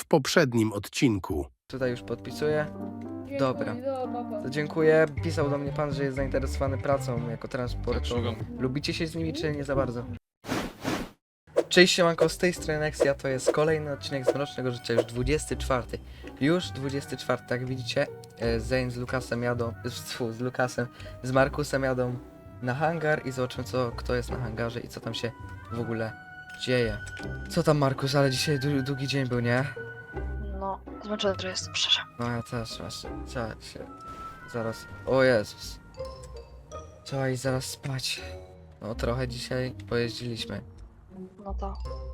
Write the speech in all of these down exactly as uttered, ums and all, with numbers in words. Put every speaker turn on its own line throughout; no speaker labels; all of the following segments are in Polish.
poprzednim odcinku.
Tutaj już podpisuję.
Dziękuję,
Dobra.
do, papa.
To dziękuję. Pisał do mnie pan, że jest zainteresowany pracą jako transportową. Lubicie się z nimi, czy nie za bardzo? Cześć, siemanko, z tej strony Nexia, to jest kolejny odcinek z Mrocznego Życia, już dwudziesty czwarty. Już dwudziesty czwarty, jak widzicie, e, Zane z Lukasem jadą, z, z Lukasem, z Markusem jadą na hangar i zobaczymy, co, kto jest na hangarze i co tam się w ogóle dzieje. Co tam, Markus, ale dzisiaj dłu- długi dzień był, nie?
No, zmęczony trochę jestem, szczerze.
No ja też właśnie, trzeba się zaraz, o Jezus. Trzeba iść zaraz spać. No trochę dzisiaj pojeździliśmy.
No to.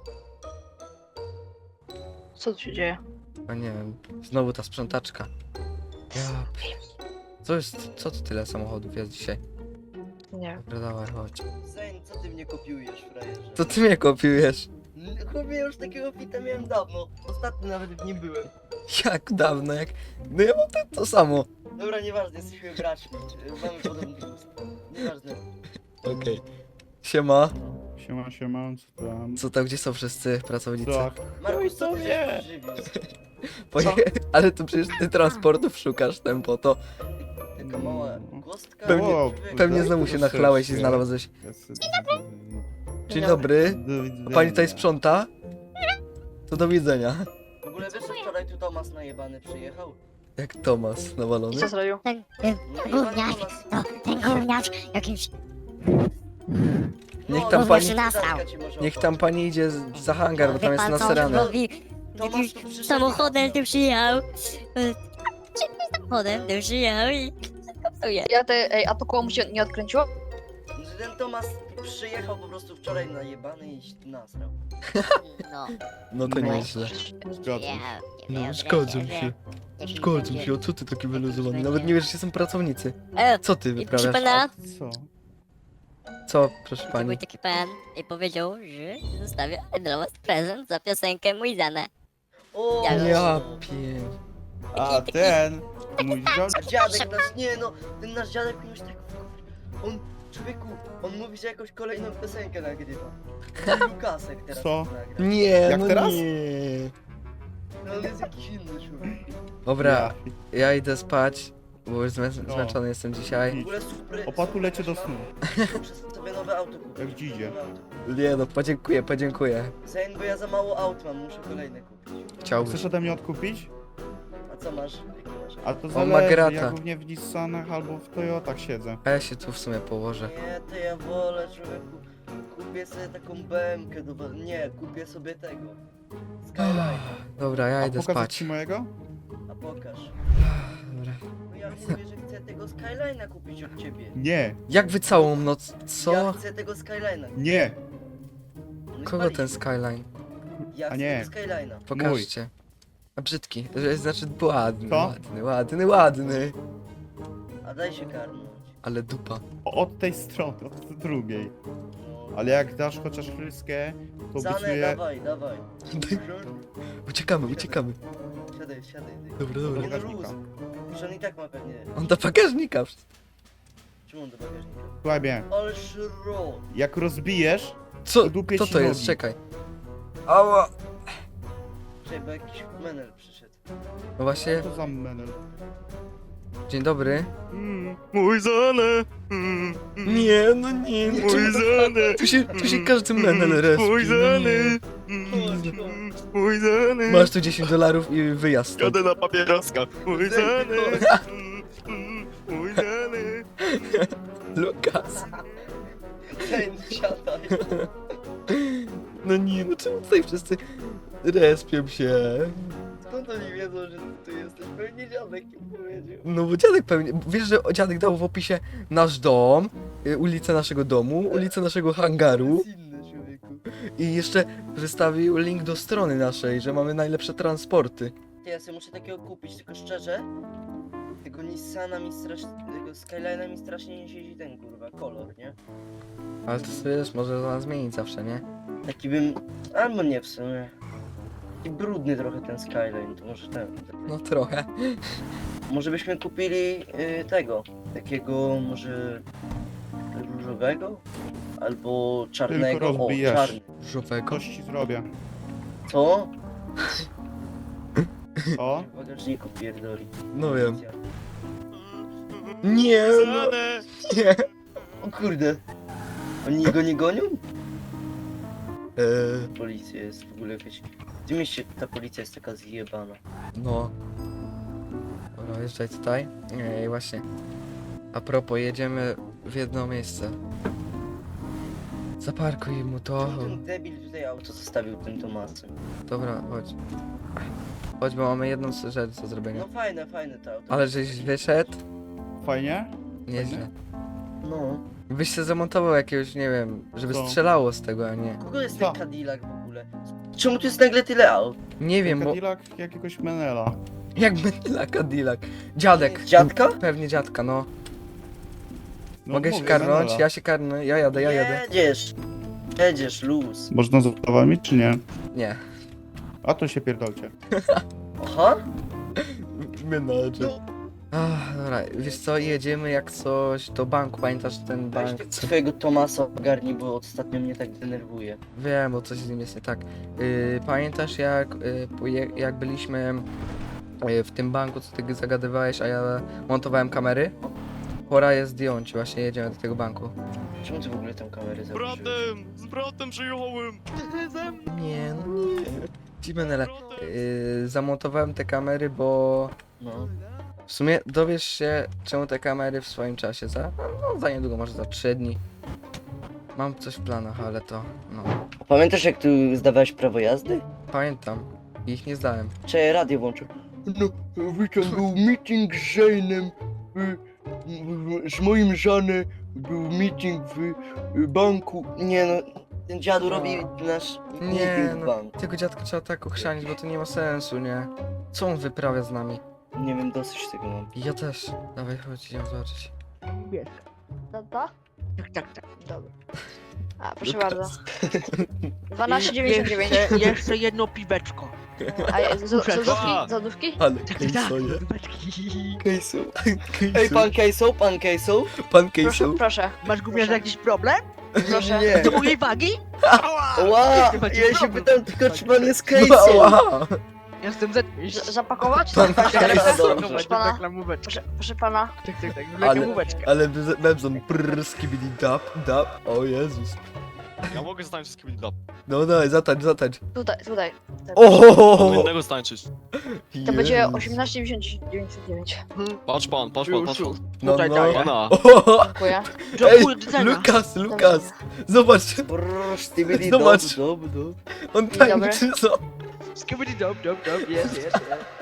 Co tu się dzieje?
A nie wiem, znowu ta sprzątaczka. Ja pi- Co jest, co to tyle samochodów jest dzisiaj?
Nie wiem.
Dobra, dawaj, chodź.
Zain, co ty mnie kopiujesz, frajerze?
To ty mnie kopiujesz.
N- Chłopie, już takiego fita miałem dawno. Ostatnio nawet w nim byłem.
Jak dawno, jak... No ja mam to, to samo.
Dobra, nieważne, jesteśmy braćmi. y, Mamy podobny gust. Nieważne.
Okej. Siema.
Siema, siema, co tam?
Co tam, gdzie są wszyscy pracownicy?
Co?
Markus, co ty
nie.
się pożywisz?
Poje... Ale to przecież ty transportów szukasz, tempo, to
Taka mała kostka.
Pewnie-
O,
pewnie
tak,
znowu
to
się nachlałeś i
serce.
znalazłeś. Dzień
Dzień
dobry.
Do widzenia.
A pani tutaj sprząta? To do widzenia.
W ogóle wiesz, że wczoraj tu Tomas najebany przyjechał?
Jak Tomas
I
nawalony.
co zrobił?
Ten, ten
No jebany
gówniarz,
Tomas.
to ten gówniarz jakimś...
Niech
No,
tam
no,
pani-
się nasrał. Ci może
Niech tam pani idzie z- za hangar, bo tam
Wie
jest
pan co on
nasrane.
robi?
Tomasz
Jakimś
tu przyszedł.
samochodem tu przyjechał. E, Jakimś samochodem tu przyjechał i... Kapsuje.
Ja te, ej, a to koło mu się nie odkręciło?
Że ten Tomas przyjechał po prostu wczoraj najebany i się tu nasrał.
No.
No to
No.
nieźle.
Zgadzam się.
No, zgadzam się. Zgadzam się, a co ty taki wyluzowany? Nawet nie wiesz, gdzie są pracownicy.
E,
Co ty
i proszę
wyprawiasz?
pana,
Co?
Co, proszę
to był
pani?
taki pan i powiedział, że zostawię dla was prezent za piosenkę Mój Zane.
O,
Ja
Ja pie...
A ten, mój dziad...
A dziadek nasz, nie no, ten nasz dziadek już tak... On, człowieku, on mówi, że jakąś kolejną piosenkę nagrywa. Lukasek teraz
Co?
nagra.
Nie,
Jak
no
teraz?
nie.
No on jest jakiś inny człowiek.
Dobra, ja idę spać, bo już zmę
No.
zmęczony jestem dzisiaj.
W ogóle super...
Opatu lecie do snu.
Muszę sobie nowe auto kupić.
Jak dzidzie.
Nowe auto.
Nie no, podziękuję, podziękuję.
Zain, bo ja za mało aut mam, muszę kolejne kupić.
Chciałbyś.
Chcesz ode mnie odkupić?
A co masz? Jakie masz?
A to
ma
zależy,
grata.
ja głównie w Nissanach albo w Toyotach siedzę.
A ja się tu w sumie położę.
Nie, to ja wolę, człowieku. Kupię sobie taką B M kę do... Nie, kupię sobie tego. Skyline.
Dobra, ja
A
idę
pokazać
spać.
ci mojego?
A pokaż.
Dobra.
No ja mówię, że chcę tego Skyline'a kupić od ciebie.
Nie,
Jak wy całą noc?
Ja
Co?
chcę tego Skyline'a.
nie.
No i
Kogo
palić.
ten skyline?
Ja
A
chcę
nie.
tego Skyline'a.
Pokażcie. A brzydki, że- znaczy ładny,
Co?
ładny, ładny, ładny.
A daj się karnąć.
Ale dupa.
O- Od tej strony, od tej drugiej.
No.
Ale jak dasz chociaż ryskę, to
Zane,
obiecuję...
dawaj, dawaj.
Uciekamy, uciekamy.
Siadaj, siadaj.
Dobra,
Do
dobra.
Nie no,
bagażnika.
luz. Już on i tak ma pewnie...
On do bagażnika.
Czemu on do bagażnika?
Słuchaj mnie,
Ale szro.
jak rozbijesz,
Co?
Dupię
Kto
ci
to jest?
nogi.
Czekaj. Ała.
Czekaj, bo jakiś menel przyszedł.
No właśnie,
to za menel.
dzień dobry.
Mm, mój Zane! Mm, mm,
Nie, no nie, no
mój
czemu-
Zane!
Tu się, tu się każdy menel respi.
Mój
no
Zane!
nie.
Mm, mój Zane!
Masz tu dziesięć dolarów i wyjazd stąd.
Jadę na papieroska! Mój Zane! Mm, mm, mój Zane!
Lukas.
Ten, siadaj.
No nie, no czemu tutaj wszyscy respią się?
Skąd oni wiedzą, że ty tu jesteś? Pewnie dziadek im powiedział.
No bo dziadek pewnie, wiesz, że dziadek dał w opisie nasz dom, y, ulicę naszego domu, ulicę naszego hangaru
To jest inny, człowieku.
i jeszcze wystawił link do strony naszej, że mamy najlepsze transporty.
Ty, ja sobie muszę takiego kupić, tylko szczerze, tego Nissana mi strasznie, tego Skyline'a mi strasznie nie siedzi ten kurwa kolor, nie?
Ale to sobie wiesz, może to zmienić zawsze, nie?
Taki bym, albo nie w sumie. Taki brudny trochę ten Skyline, to może ten.
No trochę.
Może byśmy kupili y, tego, takiego może różowego? Albo czarnego, o
rozbijasz.
czarny.
Żółwego.
Coś ci zrobię.
Co?
O?
W bagażniku pierdoli.
No wiem. Nie, no,
Zostanę.
nie.
O kurde. Oni go nie gonią?
Eee,
Policja jest w ogóle jakaś... W tym mieście ta policja jest taka zjebana.
no. Dobra, wjeżdżaj tutaj. Ej, właśnie. A propos, jedziemy w jedno miejsce. Zaparkuj mu to.
Czemu ten debil tutaj auto zostawił tym Tomasem?
Dobra, chodź. Chodź, bo mamy jedną rzecz do zrobienia.
No fajne, fajne to auto.
Ale żeś wyszedł?
Fajnie?
Nieźle.
No.
Byś się zamontował jakiegoś, nie wiem, żeby
Co?
strzelało z tego, a nie.
Kogo jest
Co?
ten Cadillac w ogóle? Czemu tu jest nagle tyle aut?
Nie wiem, bo...
Cadillac jakiegoś Menela.
Jakby dla Cadillac. Dziadek.
Dziadka?
Pewnie dziadka, no.
No,
Mogę się
mówię,
karnąć?
Menela.
Ja się karnę, ja jadę, ja jadę.
Jedziesz. Jedziesz, luz.
Można z ostawami, czy nie?
Nie.
A to się pierdolcie.
Aha.
Menadżer. Ach, dobra, wiesz co, jedziemy jak coś do banku, pamiętasz ten
Weź
bank?
tego
Co...
twojego Tomasa ogarnij, bo ostatnio mnie tak denerwuje.
Wiem, bo coś z nim jest nie tak. Yy, pamiętasz jak, yy, poje- jak byliśmy yy, w tym banku, co ty zagadywałeś, a ja montowałem kamery? Pora je zdjąć, właśnie jedziemy do tego banku.
Czemu ty w ogóle tę kamerę
Z
założyłeś?
bratem! Z bratem przyjąłem!
Nie, no nie. Ci Menele. Yy, zamontowałem te kamery, bo
No.
w sumie dowiesz się, czemu te kamery w swoim czasie za, no, za niedługo, może za trzy dni. Mam coś w planach, ale to, no,
A pamiętasz jak tu zdawałeś prawo jazdy?
pamiętam. Ich nie zdałem.
Czy radio włączył? No, witam, był meeting z Zainem, z moim żanem był meeting w banku. Nie no, ten dziadu robi nasz
Nie,
meeting w
no,
banku.
tego dziadka trzeba tak ochrzanić, bo to nie ma sensu, nie? Co on wyprawia z nami?
Nie wiem, dosyć tego mam.
Ja też. Dawaj, chodź, idziemy zobaczyć.
Tata?
Tak, tak, tak.
Dobra. A, proszę
Lukas.
bardzo. dwanaście dziewięćdziesiąt dziewięć.
Jeszcze, jeszcze jedno piweczko.
A je- z-
Muszę-
złotówki?
A.
Złotówki?
Ale
Tak, tak, tak. Piweczki.
Kejsu. Ej, pan Kejsu, pan Kejsu?
Pan
Proszę,
Kejsu.
proszę.
Masz gówniarz jakiś problem?
Proszę.
Nie.
Do mojej wagi?
Ła,
Chyba ci
ja się
problem.
pytam tylko, czy pan jest
No,
Kejsu?
ała.
Jestem Z.
Z- Zapakować?
Pan
Tak,
Kejsu.
Dobrze,
Proszę pana.
reklamóweczkę.
Proszę, proszę pana.
Tak, tak, tak.
Ale-
Reklamóweczkę.
Ale Bebzon prrr, skibidi dap, dap. O Jezus.
Ja mogę zostać wszystkim dla.
No daj, zatańcz, zatańcz.
Tutaj, tutaj.
O!
Innego stańczyć.
To będzie
Jezus.
osiemnaście dziewięćdziesiąt dziewięć.
Patrz pan, patrz pan, patrz pan.
No,
Tutaj
no.
daję.
Pana.
O!
Dziękuję.
Ej,
Dziękuję, do widzenia.
Lukas, Lukas. Zobacz,
Brrr, stibidi
Zobacz.
dob, dob, dob.
on
Dzień dobry.
tańczy, co?
Skibidi dop, dop, dop, jest, jest,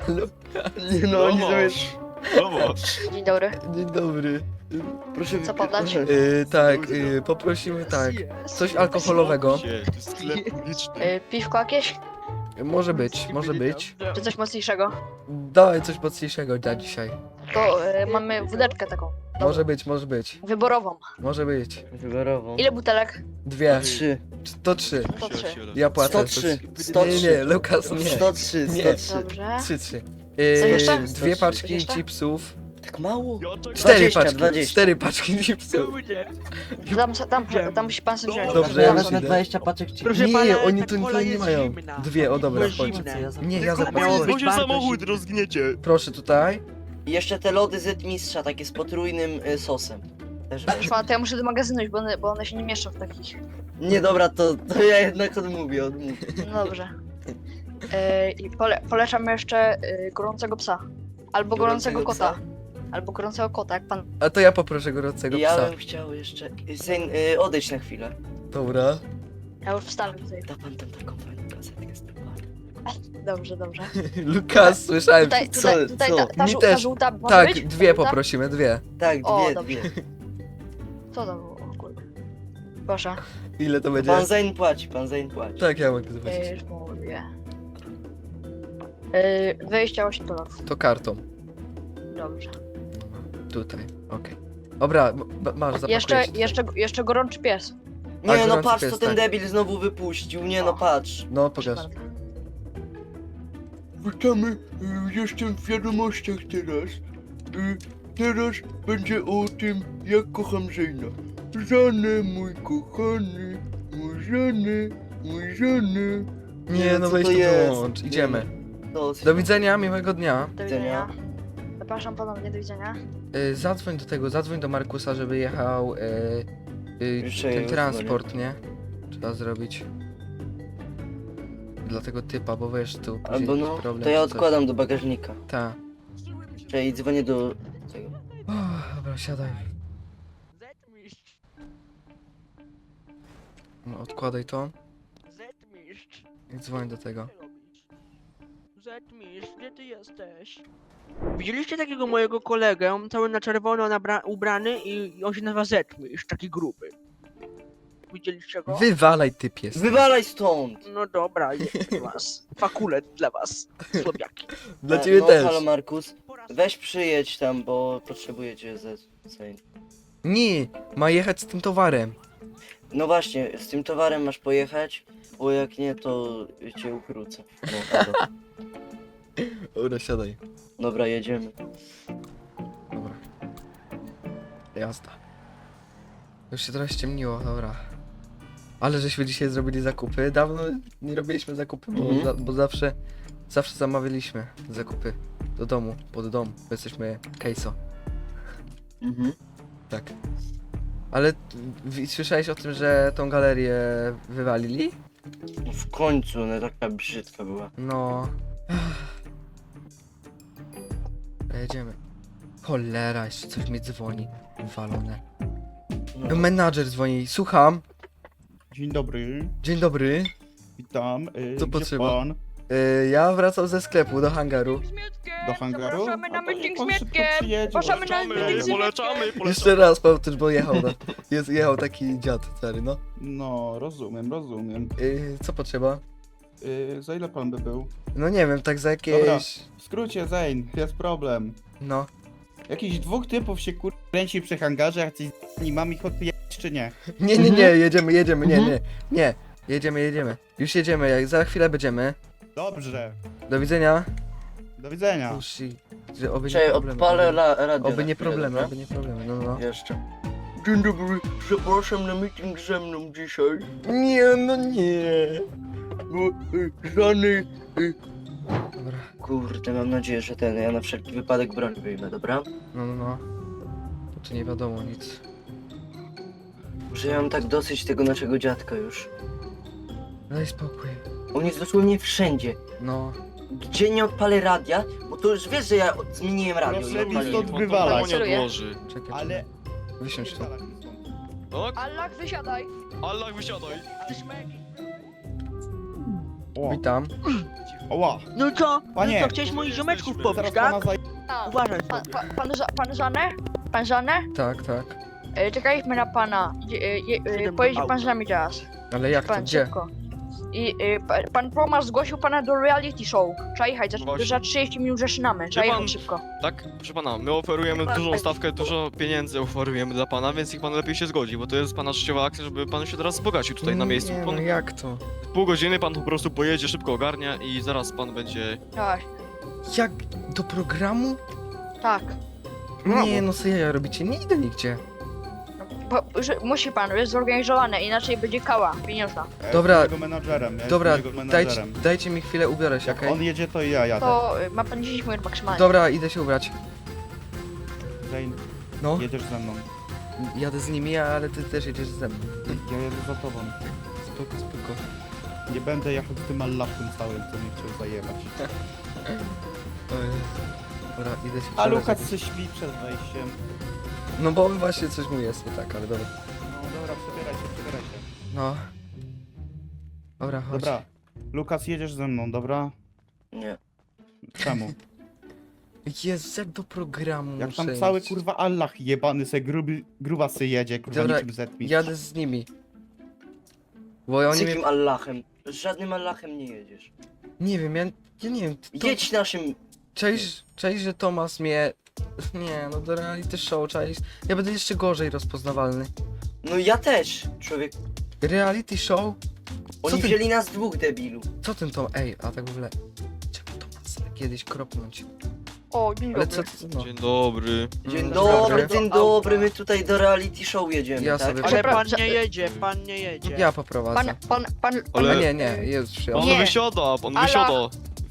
jest.
Nie no, oni są...
Zobacz.
Dzień dobry.
Dzień dobry.
Proszę
Co podać?
Yy, tak, yy, poprosimy tak. Coś alkoholowego.
Się, to jest sklep publiczny.
Y, Piwko jakieś?
Może być, może być.
Czy coś mocniejszego?
Dawaj coś mocniejszego dla dzisiaj.
To y, mamy wódeczkę taką.
Może być, może być.
Wyborową.
Może być.
Wyborową.
Ile butelek?
Dwie.
Trzy.
To trzy.
To trzy.
Ja płacę.
sto trzy.
To-
sto
Nie,
trzy.
nie, Lukas, nie.
sto trzy,
Nie.
sto trzy.
Dobrze.
Trzy, trzy.
Co
Yy,
jeszcze?
dwie
Sto trzy.
paczki
Jeszcze?
chipsów.
Tak mało?
Cztery
dwadzieścia,
paczki.
dwadzieścia.
Cztery paczki chipsów.
Kurde.
Tam, tam, tam musi pan sobie wziąć.
Dobrze,
ja
już
wezmę
idę.
dwadzieścia paczek ci.
Proszę
Nie,
pana,
oni
ta
tu
cola
nie
jest
mają.
zimna.
Dwie, o dobra,
Była
chodź.
zimna.
Nie, ja
Tylko
zapłacę.
miało
Bo
być
się
bardzo
samochód
zimne.
rozgniecie.
Proszę tutaj.
I jeszcze te lody z mistrza, takie z potrójnym y, sosem. Też
Proszę
weź.
pana, to ja muszę do magazynu iść, bo one, bo one się nie mieszczą w takich.
Nie dobra, to, to ja jednak odmówię, odmówię.
No dobrze. Y, I pole, polecam jeszcze y, gorącego psa. Albo gorącego,
Gorącego
kota. Albo gorącego kota, jak pan.
A to ja poproszę gorącego
Ja
psa.
bym chciał jeszcze... Zain, y, odejdź na chwilę.
Dobra.
Ja już wstanę tutaj.
Da pan tam taką fajną kasetkę z tym panem.
Dobrze, dobrze.
Lukas, słyszałem.
Tutaj,
co-
tutaj, tutaj
co?
ta, ta,
Mi
żół- ta
też.
żółta może
Tak,
być?
dwie
Ta żółta?
poprosimy, dwie.
Tak,
O,
dwie,
dobrze.
dwie.
Co to było? O kurde. Proszę.
Ile to będzie?
Pan Zain płaci, pan Zain płaci.
Tak, ja mogę
Yy,
zobaczyć.
już mówię. Yy, dwadzieścia osiem dolarów.
To kartą.
Dobrze.
Tutaj, okej. Dobra, m- m- masz, zapakuję
Jeszcze,
się tutaj.
jeszcze, jeszcze gorączy pies.
Tak,
Nie no
gorący
patrz,
pies,
co ten
tak.
debil znowu wypuścił, nie no patrz.
No,
Proszę
pokaż.
bardzo.
Witamy, y, jestem w wiadomościach teraz. Y, Teraz będzie o tym, jak kocham Zaina. Żany, mój kochany, mój żony, mój żony.
Nie, no
co
weź
to
to
jest?
wyłącz, idziemy.
Dosyć.
Do widzenia, miłego dnia.
Do widzenia. Zapraszam ponownie, do widzenia.
Y, zadzwoń do tego, zadzwoń do Markusa, żeby jechał y, y,
Jeszcze
ten
ja
transport, nie? Trzeba zrobić. Dla tego typa, bo wiesz, tu później
Albo
jakiś
no,
problem
to ja
czy coś.
odkładam do bagażnika.
Ta.
Czyli dzwonię do tego.
Uff, dobra, siadaj.
Zetmistrz,
No, odkładaj to
Zetmistrz,
i dzwoń do tego.
co ty robisz? Zetmistrz, gdzie ty jesteś? Widzieliście takiego mojego kolegę, cały na czerwono nabra- ubrany i, i on się nazywa Zetmistrz, taki gruby. Widzieliście go?
Wywalaj, typ jest.
Wywalaj stąd!
No dobra, jest dla was. Fakulet dla was, słabiaki.
Dla
E,
ciebie
no,
też.
Halo Markus,
Po raz
weź przyjedź tam, bo potrzebuję cię ze... ze...
Nie, ma jechać z tym towarem.
No właśnie, z tym towarem masz pojechać, bo jak nie, to cię ukrócę. No, halo.
Dobra, siadaj.
Dobra, jedziemy.
Dobra. Jazda. Już się trochę ściemniło, dobra. Ale żeśmy dzisiaj zrobili zakupy. Dawno nie robiliśmy zakupy, bo,
Mhm.
za, bo zawsze zawsze zamawialiśmy zakupy do domu, pod dom, bo jesteśmy Kejso.
Mhm.
Tak. Ale w, słyszałeś o tym, że tą galerię wywalili?
No w końcu, ona taka brzydka była.
No. Jedziemy. Cholera, jeszcze coś mi dzwoni. Walone.
No.
Menadżer dzwoni. Słucham.
Dzień dobry,
Dzień dobry.
witam. Y,
Co
gdzie
potrzeba?
pan?
Y, ja wracam ze sklepu do hangaru.
Do hangaru?
Zapraszamy na
A to niech
meeting z
pan szybko
Mietkiem.
przyjedzie,
Zapraszamy na
Polecamy,
meeting z
polecamy,
Mietkiem.
polecamy.
Jeszcze raz powtórz, bo jechał. No. Jest, jechał taki dziad stary, no.
No, rozumiem, rozumiem.
Y, co potrzeba?
Y, za ile pan by był?
No nie wiem, tak za jakieś...
Dobra. W skrócie, Zane, jest problem.
No.
Jakichś dwóch typów się kur... kręci przy hangarze, jak coś z mam ich odpijać czy nie?
Nie, nie, nie, jedziemy, jedziemy, nie, nie. Nie. Jedziemy, jedziemy. Już jedziemy, jak za chwilę będziemy.
Dobrze,
Do widzenia.
do widzenia.
Uszy. Że oby nie
Czekaj,
problemy.
odpalę
oby-
la, radio.
Oby
na
nie
chwilę,
problemy,
dobra?
oby nie problemy, no no.
Jeszcze. Dzień dobry, zapraszam na meeting ze mną dzisiaj.
Nie, no nie.
No, y, żany... Y,
Dobra,
kurde, mam nadzieję, że ten, ja na wszelki wypadek broń wyjmę, dobra?
no no no. Bo tu nie wiadomo nic.
Że ja mam tak dosyć tego naszego dziadka już.
Daj spokój.
On jest dosłownie wszędzie.
No.
Gdzie nie odpalę radia, bo to już wiesz, że ja od- zmieniłem radio i
Proszę mi
odpaliłem.
stąd wywalać.
nie odłoży.
Czekaj,
Ale...
czekaj. Wysiądź tu.
Tak?
Allah, wysiadaj.
Allah, wysiadaj.
O,
Witam.
oła,
No co?
Panie.
No co, chciałeś moich ziomeczków
Zaraz
pobić,
zaraz
tak?
pana za...
A,
Uważaj
pan,
sobie.
pan, pan, Ża- pan Żanę? Pan Żanę?
Tak, tak.
E, czekaliśmy na pana. Dzie- e, je- e,
Siedem
Pojedzie
auto.
pan z nami teraz.
Ale jak to,
Pan
gdzie?
szybko. I e, pa, pan Tomasz zgłosił pana do reality show. Trzeba jechać, za,
Właśnie.
za trzydzieści minut zaczynamy. Trzeba
Wie pan-
jechać szybko.
Tak, proszę pana, my oferujemy dużą stawkę, dużo pieniędzy oferujemy dla pana, więc niech pan lepiej się zgodzi, bo to jest pana życiowa akcja, żeby pan się teraz wzbogacił tutaj na miejscu.
Nie,
Pan,
no jak to?
pół godziny pan po prostu pojedzie, szybko ogarnia i zaraz pan będzie...
Tak,
Jak? Do programu?
tak.
Nie, no co ja robicie? Nie idę nigdzie.
Bo, że, musi pan, jest zorganizowane, inaczej będzie kała pieniążna.
Ja
Dobra,
jestem jego menadżerem, ja
Dobra,
jestem jego
dajcie,
menadżerem.
dajcie mi chwilę, ubiorę się,
Jak
okej?
on jedzie, to i ja jadę.
To e, ma pan dziesięć minut maksymalnie.
Dobra, idę się ubrać.
Zane,
No,
jedziesz ze mną.
jadę z nimi, ale ty też jedziesz ze mną.
Ja jedę za tobą.
Spoko, spoko.
Nie będę jechał z tym Allahem całym, co mnie chciał zajebać.
Oj. Dobra, idę się
A
przebrać.
Lukas się śpi przed wejściem.
No bo właśnie coś mu jest nie tak, ale dobra.
No dobra, przebieraj się, przebieraj się.
No. Dobra, chodź.
Dobra, Lukas, jedziesz ze mną, dobra?
Nie.
Czemu?
Jezu, jak do programu
Jak tam
muszę
cały
iść.
kurwa Allah jebany se gruby, grubasy jedzie, kurwa
Dobra,
niczym zetmi.
Jadę z nimi. Bo
Z
oni mnie...
jakim Allahem? Z żadnym Allahem nie jedziesz.
Nie wiem, ja, ja nie wiem. To...
Jedź naszym...
Cześć, cześć, że Tomas mnie... Nie, no do reality show, cześć. Ja będę jeszcze gorzej rozpoznawalny.
No ja też, człowiek.
Reality show?
Oni
ty-
wzięli nas dwóch, debilu.
Co ten to? Ej, a tak w ogóle... Czemu Tomas kiedyś kropnąć?
O, dzień
Ale
dobry.
co to... No.
Dzień dobry.
Dzień
Mm,
dobry, dzień dobry, my tutaj do reality show jedziemy,
Ja
tak?
sobie-
Ale pan
Przepraszam.
nie jedzie, pan nie jedzie.
Ja poprowadzę.
Pan, pan, pan, pan,
Ale
Ale-
nie, nie, jest
Pan
przyjazd.
Nie.
wysiada, pan
Allah.
wysiada.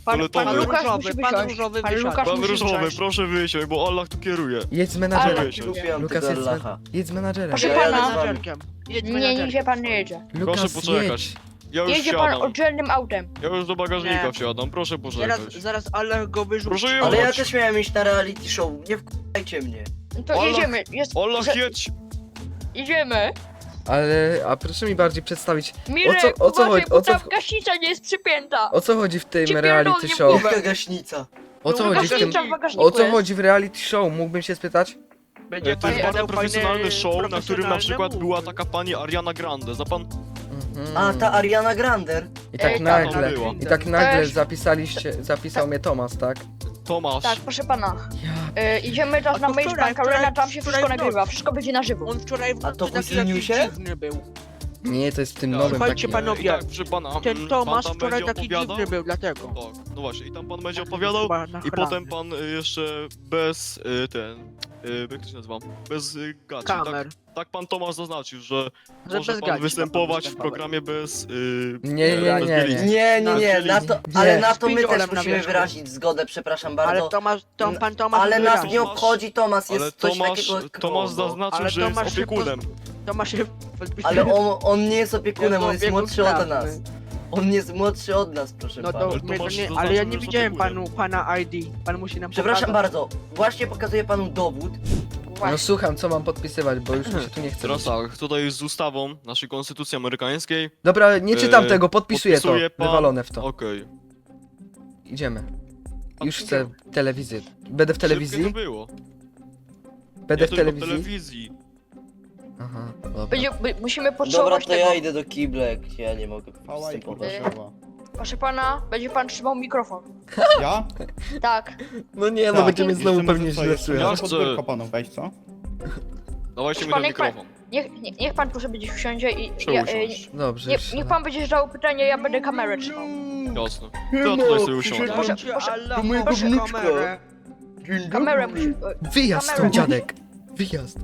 Pan,
Ale to
pan
my-
Lukasz
różowy,
musi
pan
wysiąść.
różowy
Pan
wysiadł.
Lukasz
Pan
musi
różowy,
wsiąść.
proszę wysiąść, bo Allah tu kieruje.
Jedź z
Ale-
menadżerem.
Wysiąść.
Lukas jest,
Lacha.
jedź z menadżerem.
Proszę
Ja jadę
pana.
z wami.
menadżerkiem. Jedź
Nie,
menadżerkiem.
nigdzie pan nie jedzie.
Lukas,
Proszę poczekać.
jedź.
Ja już
Jedzie pan
wsiadam.
oddzielnym autem.
Ja już do bagażnika
Nie.
wsiadam, proszę
Zaraz,
poczekać.
zaraz Allah go wyrzuci.
Proszę
Ale ja
jechać.
też miałem iść na reality show, nie wkurajcie mnie.
No to
Allah-
jedziemy. Jest,
Allah,
że-
jedź!
Jedziemy.
Ale, a proszę mi bardziej przedstawić,
Mirek,
o co
uważaj,
chodzi-
bo
o co
tam
w-
gaśnica nie jest przypięta.
o co chodzi w tym
Ci
reality
pierdolnie
show?
Jaka gaśnica?
O co
No,
chodzi w tym,
Gaśnica w bagażniku
o co
jest.
chodzi w reality show? Mógłbym się spytać?
Będzie
To jest
pan
bardzo
miał
profesjonalny
fajny,
show, na którym na
profesjonalne
przykład
move.
była taka pani Ariana Grande. Za pan...
Mhm.
A, ta Ariana Grande.
I tak
Ej,
nagle,
tak, była.
i tak nagle
Też-
zapisaliście, zapisał mnie Tomasz, tak?
Tomasz.
Tak, proszę pana.
Ja,
Y, idziemy teraz
A
na
to wczoraj,
Magebank Arena,
wczoraj-
tam się
wczoraj
wszystko
w nocy.
nagrywa, wszystko będzie na żywo.
On wczoraj w
A to
nocy taki
wycenił
jakiś
się?
dziwny był.
nie, to jest w tym
Tak.
nowym
Słuchajcie,
takim.
panowie,
I tak, proszę pana,
Ten
mm,
Tomasz
pan tam
wczoraj
będzie
taki
opowiadał.
dziwny był, dlatego.
Tak, no właśnie, i tam pan będzie opowiadał,
Chyba
i
nachlany.
potem pan y, jeszcze bez y, ten... Y, jak to się nazywa? Bez y, gaci, tak?
Kamer.
Tak pan Tomasz zaznaczył, że
Że
może
bez
pan
gaci
występować
ma pan
w
występować.
programie bez... Y,
Nie, nie,
bez
nie, nie.
bielizy.
Nie, nie, nie,
Czyli-
na to,
Nie.
ale na to my
Szpindolem
też
na
musimy
wierzchu.
wyrazić zgodę, przepraszam
Ale
bardzo.
Tomasz, Tom,
N-
pan Tomasz
Ale nas
wyraził.
nie obchodzi, Tomasz
Ale
jest coś
Tomasz,
takiego jak
Tomasz
Krogo.
zaznaczył,
Ale
że jest
Tomasz się
opiekunem.
Tomasz się...
Ale on, on nie jest opiekunem,
Jego
on jest
opiekun
młodszy od
prawny.
nas. On jest młodszy od nas, proszę
No to,
pana.
Ale
my to
Tomasz
nie,
zaznaczył,
ale ja
że
nie
jest
widziałem
opiekunem.
panu, pana I D. Pan musi nam
Przepraszam
pokazać.
bardzo, właśnie pokazuję panu dowód.
No
Właśnie.
słucham, co mam podpisywać, bo już mi się tu nie chce.
Teraz tak, tutaj z ustawą naszej konstytucji amerykańskiej.
Dobra, nie czytam
Eee,
tego, podpisuję to.
podpisuje pan-
Wywalone w to.
Okej.
Idziemy.
Pan
Już
tu
chcę telewizję. Będę w
Szybkie
telewizji?
to było.
Będę
Nie
w
tylko
telewizji?
telewizji.
Aha, dobra.
Będzie, by, musimy
Dobra,
pocałować
to
tego.
ja idę do kiblek, ja nie mogę
Hałaj, kurwa,
występować.
siała.
Proszę pana, będzie pan trzymał mikrofon.
Ja?
Tak.
No nie, no
Tak,
będziemy
jeszcze
znowu
może
pewnie
co,
źle
jeszcze
słychać.
Ja
może
chcę-
pod biurko panu wejść, co?
Dawajcie mi
Pan,
ten
niech pan-
mikrofon.
Niech, nie, niech pan tu sobie gdzieś usiądzie i... Ja,
Przeusiąść.
e,
Dobrze,
nie,
już
niech pan będzie zadał pytanie, ja będę kamerę trzymał.
Jasne. To ja tutaj sobie usiądę.
Proszę,
Dajcie
proszę,
Allah,
do mojego
proszę
wnuczka.
kamerę.
Dzień
Kamerę
dobry.
musi... e,
Wyjazd
kamerę.
stąd, dziadek! Wyjazd!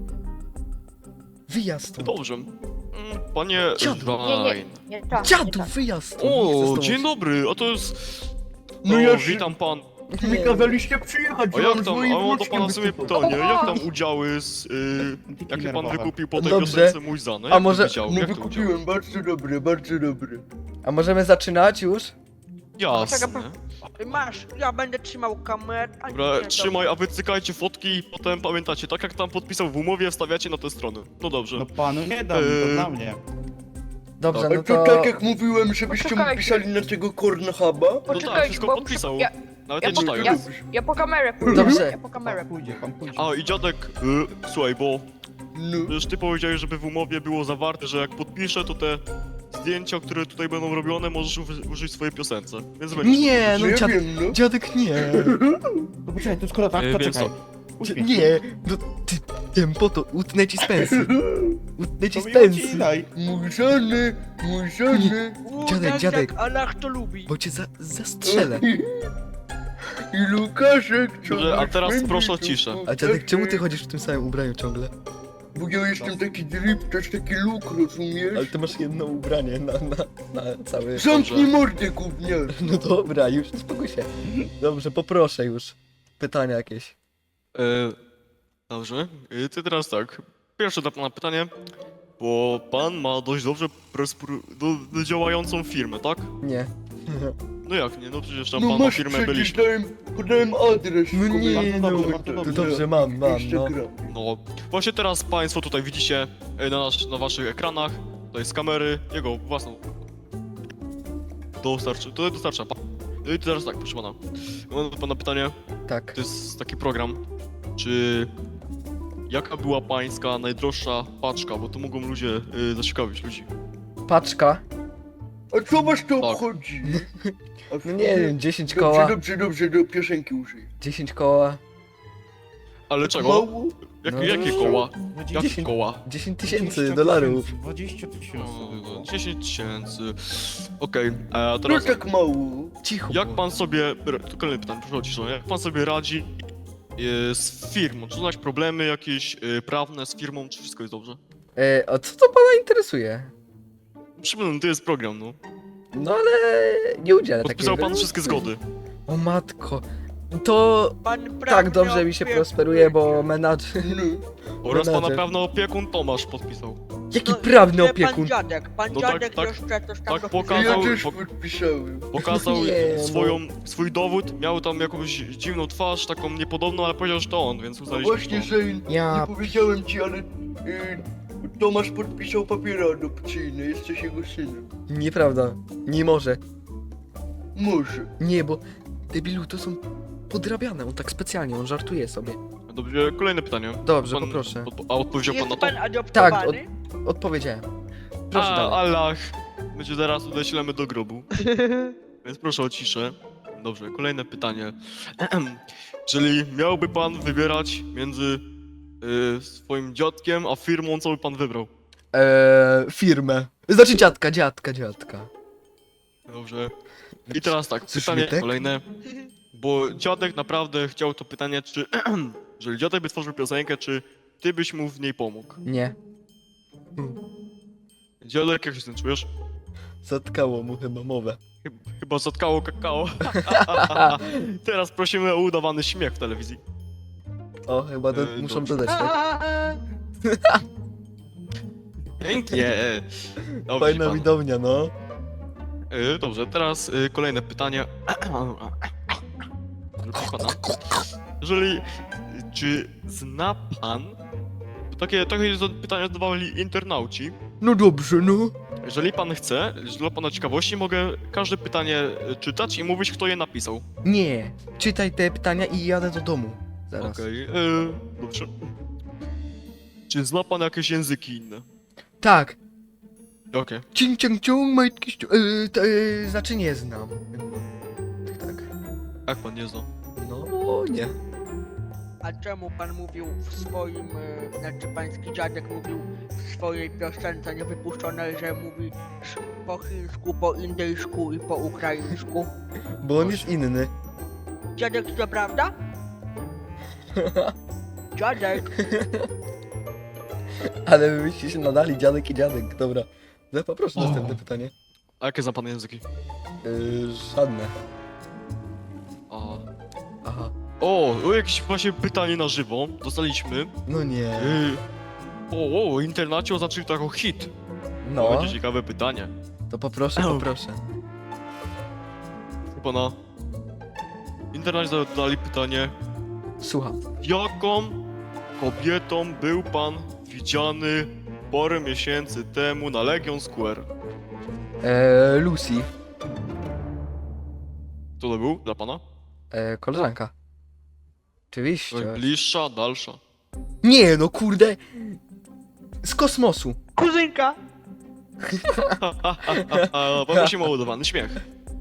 Wyjazd stąd!
Dobrze. Mm, Panie
Dziadu.
Nie, nie,
Ryan.
nie tak.
Dziadu,
nie tak.
wyjazd stąd! Nie chcę z
O,
tobą
dzień
się-
dobry, a to jest...
No
o,
ja się-
witam pan.
Mi kazaliście przyjechać,
A
że
jak
mam z
tam,
moim
a mam do
wnuczkiem
pana sobie
występować.
pytanie, jak tam udziały z... Y, jakie pan
nerwowe.
wykupił po tej
Dobrze.
piosence mój zany?
A
Jak
może-
to udział?
No
Jak to udział?
wykupiłem, bardzo dobre, bardzo dobre.
A możemy zaczynać już?
Jasne.
Masz, ja będę trzymał kamerę. a
Dobra,
nie,
trzymaj, a wy cykajcie fotki i potem pamiętacie, tak jak tam podpisał w umowie, wstawiacie na tę stronę. No dobrze.
No panu nie dam,
Eee,
to dla mnie.
Dobrze,
A
no
to
to...
tak jak mówiłem, żebyście mu
Poczekajcie.
pisali na tego Cornhuba?
No tak,
Poczekajcie,
wszystko
bo
podpisał.
Ja,
Nawet
ja
nie
po-
czytając.
ja- ja po kamerę pójdę.
Dobrze.
Ja po kamerę
Pan pójdzie, pan pójdzie.
A i dziadek, y, słuchaj, bo
No.
przecież ty powiedziałeś, żeby w umowie było zawarte, że jak podpiszę, to te zdjęcia, które tutaj będą robione, możesz uży- użyć w swojej piosence. Więc będziesz
Nie,
No
no
ja
dziadek,
wiem, no.
dziadek nie.
No poczekaj, to skoro tak,
Eee,
to
wiem
czekaj.
co.
Uśmiech.
Nie, no ty, tempo to utnę ci z pensy. Utnę ci
To
z
mi
pensy.
ucinaj.
Mój żony, mój żony.
U,
Dziadek,
tak
dziadek.
Jak Allah to lubi.
Bo cię za, zastrzelę.
I Lukaszek, co
Dobrze, a
masz
teraz
będzie,
proszę o
to
ciszę.
A dziadek, czemu ty chodzisz w tym samym ubraniu ciągle?
Bo ja jestem taki drip, też taki luk, rozumiesz?
Ale ty masz jedno ubranie na, na, na cały...
Zamknij mordę, gówniarz.
No dobra, już, spokój się. Dobrze, poproszę już. Pytania jakieś.
E, dobrze, e, ty teraz tak. Pierwsze dla pana pytanie, bo pan ma dość dobrze prespru- do, do działającą firmę, tak?
Nie.
No jak nie, no przecież tam
No
pan ma
masz
firmę
przecież,
byliśmy.
dałem, podałem adres.
No nie,
komentarzu.
no,
dobrze, bardzo
to
dobrze.
dobrze, mam, mam, no.
Instagram.
No, właśnie teraz państwo tutaj widzicie e, na, nasz, na waszych ekranach, tutaj z kamery, jego własną. Dostarczy, tutaj dostarcza pan. No i teraz tak, proszę pana. Mam do pana pytanie,
Tak.
to jest taki program, czy... Jaka była pańska najdroższa paczka, bo to mogą ludzie y, zaciekawić ludzi.
Paczka.
A co was to
Tak.
obchodzi? A
No nie wiem, dziesięć
Dobrze,
koła.
dobrze, dobrze, do piosenki użyj.
dziesięć koła.
Ale czego?
Mało?
Jak,
No,
jakie
no.
koła? Jakie
dziesięć
koła?
dziesięć tysięcy
dwadzieścia
dolarów.
tysięcy, dwadzieścia tysięcy.
O, dziesięć tysięcy. Okej, a
No
teraz
tak mało.
Cicho.
jak
było.
pan sobie... Tu kolejne pytanie, proszę o ciszę. Jak pan sobie radzi y, z firmą? Czy znać problemy jakieś y, prawne z firmą, czy wszystko jest dobrze?
E, a co to pana interesuje?
Przypomnę, to jest program, no.
No ale nie udzielę takiej
Podpisał pan
wypowiedzi.
wszystkie zgody.
O matko. To
Pan
tak
prawny
dobrze mi się
opiekun
prosperuje, bo
będzie.
menadżer...
No,
Oraz pana
Menadżer.
prawny opiekun Tomasz podpisał.
Jaki
No,
prawny
nie,
opiekun?
Pan dziadek, pan
No tak,
dziadek
tak,
jeszcze coś tam
tak
dopisał.
pokazał-
ja też
po-
podpisałem.
Pokazał
Nie, no.
swoją, swój dowód, miał tam jakąś dziwną twarz, taką niepodobną, ale powiedział, że to on, więc uznaliśmy,
Właśnie,
że to on.
Zane,
Ja...
nie powiedziałem ci, ale y, Tomasz podpisał papiery adopcyjne, jesteś jego synem.
Nieprawda. Nie może.
Może.
Nie, bo debilu to są podrabiane, on tak specjalnie, on żartuje sobie.
Dobrze, kolejne pytanie.
Dobrze,
Pan,
poproszę.
odpo- a odpowiedział pan
Jest
na to?
pan adoptowany?
Odpowiedziałem. Proszę
A,
dalej.
Allah. My cię zaraz odeślemy do grobu. Więc proszę o ciszę. Dobrze, kolejne pytanie. Jeżeli miałby pan wybierać między y, swoim dziadkiem a firmą, co by pan wybrał?
Eee, firmę. Znaczy dziadka, dziadka, dziadka.
Dobrze. I teraz tak,
Coś
pytanie
nie tak?
kolejne. Bo dziadek naprawdę chciał to pytanie, czy jeżeli dziadek by stworzył piosenkę, czy ty byś mu w niej pomógł?
Nie.
Dziadek, jak się z tym czujesz?
Zatkało mu chyba mowę.
Chyba, chyba zatkało kakao. Teraz prosimy o udawany śmiech w telewizji.
O, chyba do,
E,
muszą
dobrze.
dodać, tak?
Pięknie. Dobrze,
Fajna
pan.
widownia, no.
Y, Dobrze, teraz y, kolejne pytanie. Proszę pana. Jeżeli, czy zna pan, to takie, takie pytania zadawali internauci.
No dobrze, no.
Jeżeli pan chce, dla pana ciekawości, mogę każde pytanie y, czytać i mówić, kto je napisał.
Nie. Czytaj te pytania i jadę do domu. Zaraz.
Okej, y, dobrze. Czy zna pan jakieś języki inne?
Tak.
Okej.
Cing, ciang, ciung, majtki, ściu... Yy, to, yy, znaczy nie znam. Tak, tak.
Jak pan nie zna?
No, nie.
A czemu pan mówił w swoim, e, znaczy pański dziadek mówił w swojej piosence niewypuszczonej, że mówi sz- po chińsku, po indyjsku i po ukraińsku?
Bo on jest inny.
Dziadek, to prawda? Dziadek,
Ale wy byście się nadali, dziadek i dziadek. Dobra. No, poproszę
O.
następne pytanie.
A jakie zna pan języki?
Yy, żadne.
A.
Aha.
O, o, jakieś właśnie pytanie na żywo dostaliśmy.
No nie.
Yy, o, o, internaci oznaczyli to jako hit. To
No,
będzie ciekawe pytanie.
to poproszę, poproszę.
Pana. Internaci zadali pytanie,
Słucham.
jaką kobietą był pan widziany parę miesięcy temu na Legion Square?
Eee, Lucy.
Kto to był dla pana?
Eee, koleżanka. Oczywiście.
Bliższa, dalsza.
Nie, no kurde. Z kosmosu.
kuzynka!
Poprosimy o udawany śmiech.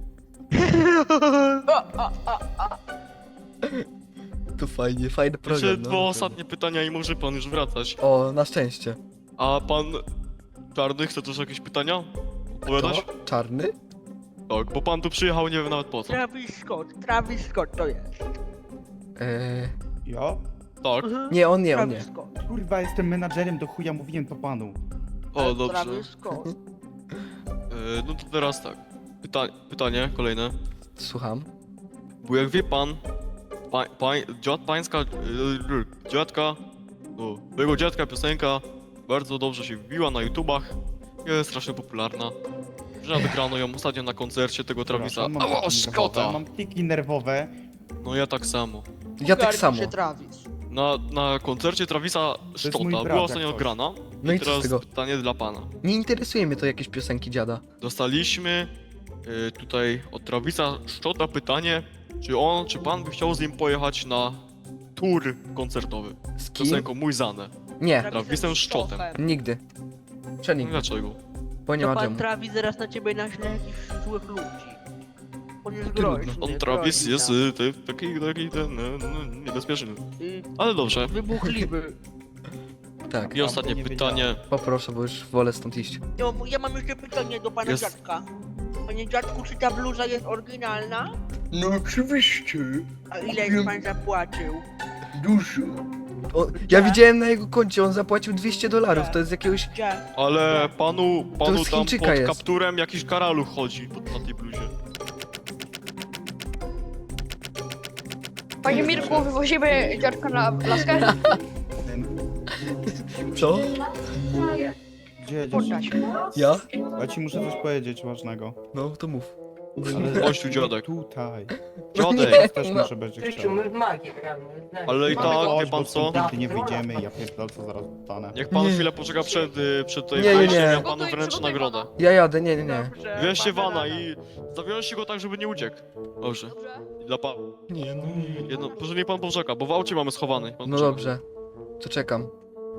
To fajnie, fajny program.
Jeszcze
no,
dwa
naprawdę.
ostatnie pytania i może pan już wracać.
O, na szczęście.
A pan Czarny chce też jakieś pytania odpowiadać?
To? Czarny?
Tak, bo pan tu przyjechał, nie wiem nawet po co.
Travis Scott, Travis Scott to jest.
Eee,
Ja?
Tak,
Mhm.
nie, on nie, on
Travis
nie.
Scott.
Kurwa, jestem menadżerem, do chuja mówiłem to panu.
o dobrze.
Travis Scott.
E, no to teraz tak. Pyta pytanie kolejne.
Słucham.
Bo jak wie pan, pa pań, dziad pańska, yy, dziadka, no, jego dziadka piosenka bardzo dobrze się wbiła na YouTubach. Jest strasznie popularna. Że nawet grano ją ostatnio na koncercie tego Travisa.
Przepraszam, mam
O,
kliki
Scotta!
nerwowe, Mam kliki nerwowe.
No ja tak samo.
Ja tak
Ogarnij
samo.
się, Travis.
Na, na koncercie Travisa
mój
Scotta
brat,
była
jak
ostatnio
coś.
grana.
No i
I
co z
teraz
tego?
pytanie dla pana.
Nie interesuje mnie to jakieś piosenki dziada.
Dostaliśmy y, tutaj od Travisa Scotta pytanie, czy on, czy pan by chciał z nim pojechać na tour koncertowy
Z
z
kim?
piosenką Mój Zane.
Nie,
Travisem Scottem.
nigdy.
No
Przenigdy,
dlaczego?
bo nie
To
ma
pan
czemu.
Travis zaraz na ciebie naśle jakichś złych ludzi. On jest
Trudno.
groźny.
On Travis
groźny
jest
tam.
y, ty, taki, taki ten, no, no, niebezpieczny.
Y,
Ale dobrze.
Wybuchliwy.
Tak,
I ostatnie
nie
pytanie.
poproszę, bo już wolę stąd iść.
Ja, ja mam jeszcze pytanie do pana
Jest-
dziadka. Panie dziadku, czy ta bluza jest oryginalna?
No oczywiście.
A ile już pan zapłacił?
Dużo.
O, ja widziałem na jego koncie, on zapłacił dwieście dolarów,
Gdzie?
to jest jakiegoś...
Gdzie?
Ale panu, panu
z
tam
Chińczyka
pod
jest.
kapturem jakiś karaluch chodzi pod, na tej bluzie.
Panie Mirku, wywozimy dziadka na laskę?
Co?
Gdzie jedziesz?
Poddać.
Ja?
Ja ci muszę coś powiedzieć ważnego.
No, to mów.
Ale
Chodź tu, dziadek.
Tutaj.
Dziadek,
Też
no.
może będzie
Krzysiu,
chciał.
my w magię gramy.
ale i
Mamy
tak,
Chodź,
wie
bo
pan co?
stąd nigdy nie wyjdziemy i ja pierdolę, co zaraz dostanę.
Niech pan
Nie.
chwilę poczeka przed, y, przed tej
Nie, nie,
wejściem,
nie.
ja panu
Przygotuj-
wręczę
przygotuj
nagrodę.
Ja jadę, nie, nie, nie.
Dobrze,
Wieźcie
mamy
wana
radę.
i zawiążcie go tak, żeby nie uciekł. Dobrze.
Dobrze.
Dla pana.
Nie, no.
Jedno, proszę niech pan poczeka, bo w aucie mamy schowany. Pan
No
poczeka.
dobrze. To czekam.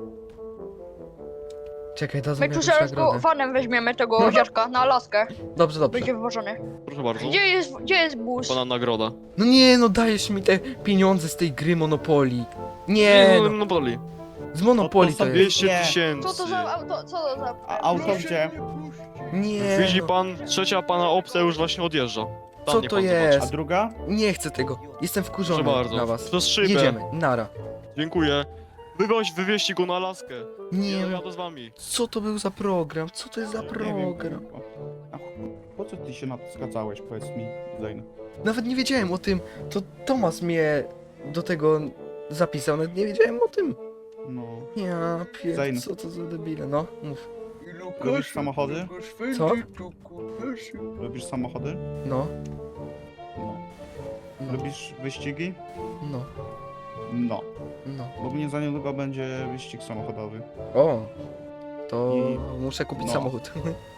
Czekaj, dadzą
My
mi
tu
jakąś
zaraz go
nagrodę.
vanem weźmiemy tego dziadka na laskę.
Dobrze, dobrze.
Będzie wywożony.
Proszę bardzo.
Gdzie jest, gdzie jest bus?
Pana nagroda.
No nie, no dajesz mi te pieniądze z tej gry Monopoly. Nie,
no,
no.
no boli.
Z Monopoly
No to
to
sobie-
jest.
dwieście
Nie.
tysięcy.
Co to za auto, co to za...
A auto gdzie?
Nie,
Widzi
no.
pan, trzecia pana opcja już właśnie odjeżdża. Tam
Co
niech
to
pan
jest?
A
zobaczy.
druga?
Nie chcę tego. Jestem wkurzony
Proszę bardzo.
na was.
Przez szybę.
Jedziemy, nara.
Dziękuję. Wywoź, wywieźcie go na laskę.
Nie,
Nie,
no.
jadę z wami.
Co to był za program? Co to jest za
Nie wiem,
program?
kurwa. A po co ty się na to zgadzałeś, powiedz mi, Zain?
Nawet nie wiedziałem o tym. To Tomas mnie do tego zapisał, nawet nie wiedziałem o tym.
No.
Ja pier...
Zain.
co to za debile, no, mów.
Lubisz samochody?
Co?
Lubisz samochody?
No,
No.
no,
Lubisz wyścigi?
no,
No.
no.
Bo mnie za niedługo będzie wyścig samochodowy.
O, to
I-
muszę kupić
no.
samochód.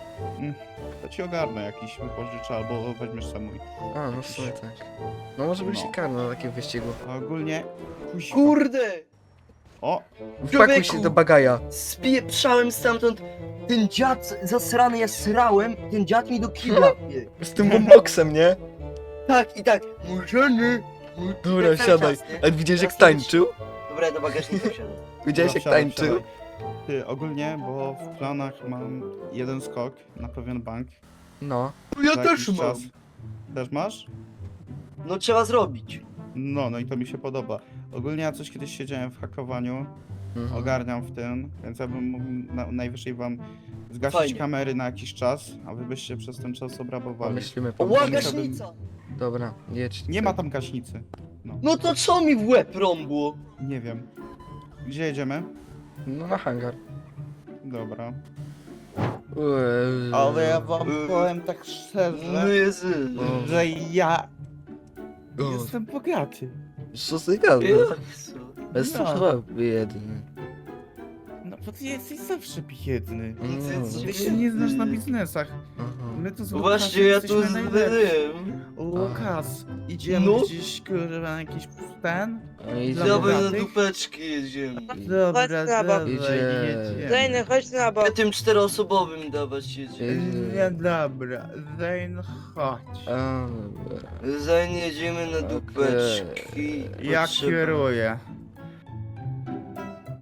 To ci ogarnę jakiś, wypożyczę albo weźmiesz sam mój.
A, no w sumie tak. No może bym
No.
się karnął na takim wyścigu.
A ogólnie... Kuźwa.
Kurde!
O!
Wpakuj się do bagaja.
Spieprzałem stamtąd. Ten dziad zasrany, ja srałem, ten dziad mi do kibla wbiegł.
Z tym boomboxem, nie?
Tak i tak. Murzeny.
Dobra,
cały
siadaj.
czas, nie?
A widziałeś jak
Teraz nie
tańczył?
Dobra, ja do bagażnika wsiadam.
Widziałeś
Dobra,
jak
wsiadaj,
tańczył?
wsiadaj. Ty, ogólnie, bo w planach mam jeden skok na pewien bank.
No.
Ja
za
też
jakiś
mam.
czas. Też masz?
No trzeba zrobić.
No, no i to mi się podoba. Ogólnie ja coś kiedyś siedziałem w hakowaniu,
Mhm.
ogarniam w tym, więc ja bym mógł na, najwyżej wam zgasić
Fajnie.
kamery na jakiś czas, a wy byście przez ten czas obrabowali.
Pomyślimy,
O,
pomyślimy.
gaśnica!
Dobra, jedź.
Nie ma tam gaśnicy. No,
No to co mi w łeb rąbło?
nie wiem. Gdzie jedziemy?
No na hangar.
Dobra.
Eee,
Ale ja wam
Yy.
powiem tak
No
szczerze,
Jezu.
że ja
o,
jestem bogaty.
Co ty gadasz?
Jezu.
Jestem
No.
chyba biedny.
No bo ty jesteś zawsze biedny.
Mm.
Ty się nie znasz na biznesach.
Aha.
My tu z
No
Łukaszem
właśnie, ja tu
jesteśmy najlepsi.
zbyłem.
Łukasz, idziemy
No.
gdzieś kurwa na jakiś ten?
I
Dla
Dawaj na
bogatych?
dupeczki jedziemy.
Dobra,
na bok.
dawaj,
Idzie.
jedziemy.
Zajny, chodź na bok.
Ja tym czteroosobowym dawać jedziemy.
Nie, dobra, Zain, chodź.
A, dobra.
Zanim jedziemy na dupeczki.
Ja
potrzeba-
kieruję.